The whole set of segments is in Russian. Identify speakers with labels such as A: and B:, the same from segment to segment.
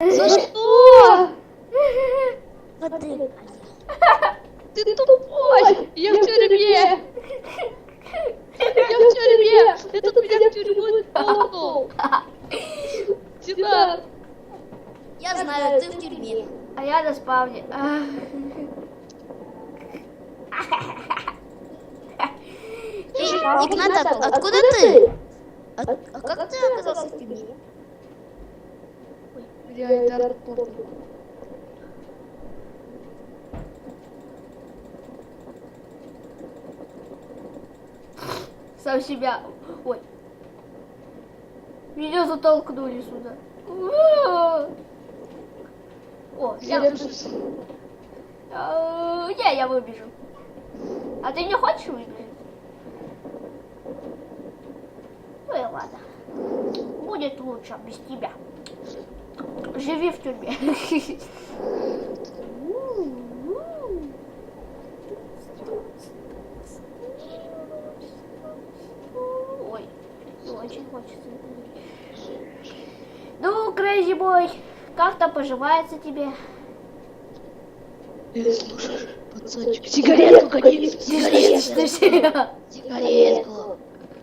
A: За что?
B: Воды.
A: Ты тупой! Я в тюрьме! Я в тюрьме! Этот меня в тюрьму толкнул! Дидар!
B: Я знаю, ты в тюрьме.
C: А я на спавне.
B: Игнат, откуда ты? А как ты оказался в тюрьме?
A: Я Идар толкнул.
C: Сам себя. Ой. Меня затолкнули сюда. О,
A: Я
C: я...
A: просто...
C: Не, я выбежу. А ты не хочешь выбежать? Ну и ладно. Будет лучше без тебя. Живи в тюрьме. Ой, не очень хочется. Ну, Крейзи Бой, как там поживается тебе?
A: Слушай, пацанчик, сигаретку гони!
C: Сигаретку.
A: Сигаретку!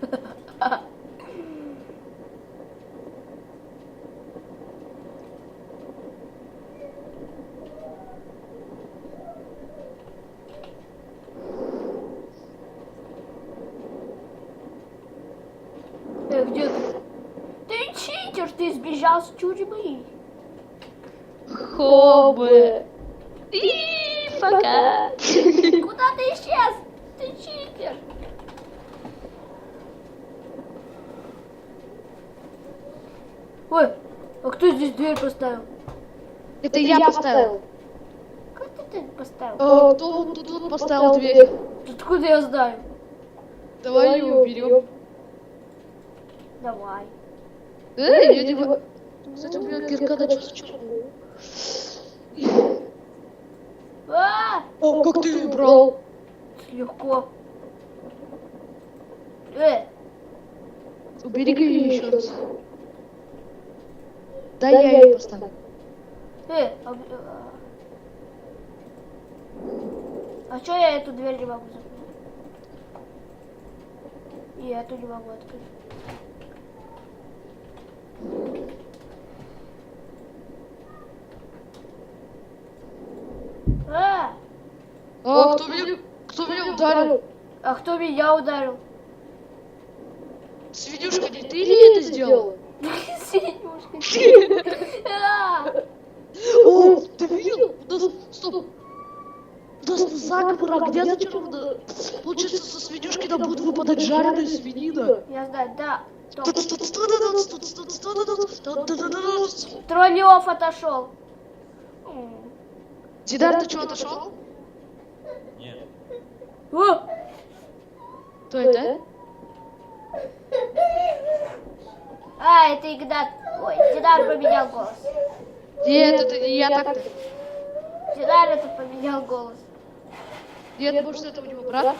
C: Где ты? Ты читер, ты сбежал с тюрьмы.
A: Хобы! И пока!
C: Куда ты исчез? Ты читер. Ой, а кто здесь дверь поставил?
A: Это я поставил.
C: Как ты поставил?
A: Кто тут поставил дверь?
C: Откуда я знаю?
A: Давай ее уберем.
C: Давай.
A: Я не могу. Кстати, у меня кирка началась черная. О, как ты ее убрал?
C: Легко.
A: Убери ее еще раз. Да, я ее поставлю.
C: А что я эту дверь не могу закрыть? И эту не могу открыть.
A: Кто меня ударил?
C: А кто меня ударил?
A: Свинюшка, не ты ли это сделала?
C: Свинюшка.
A: О, ты видел? У нас... Стоп. У нас заговор огня зачаровано. Получается, со свинюшки нам будет выпадать жареная свинина.
C: Я знаю, да. Троллёв отошел.
A: Дидар, ты что, отошел?
D: Нет.
A: Кто это?
C: Это Игнат. Ой, Дидар поменял голос.
A: Нет, это не я так-то.
C: Дидар это поменял голос.
A: Нет, может, это у него брат?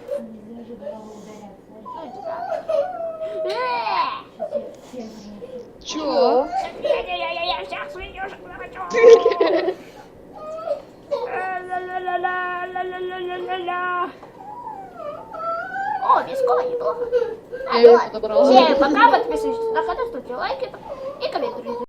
A: Чё?
C: Я всех свинюшек захочу. О, виско, неплохо.
A: Я его подобрал.
C: Всем пока, подписывайтесь на канал, ставьте лайки и комментируйте.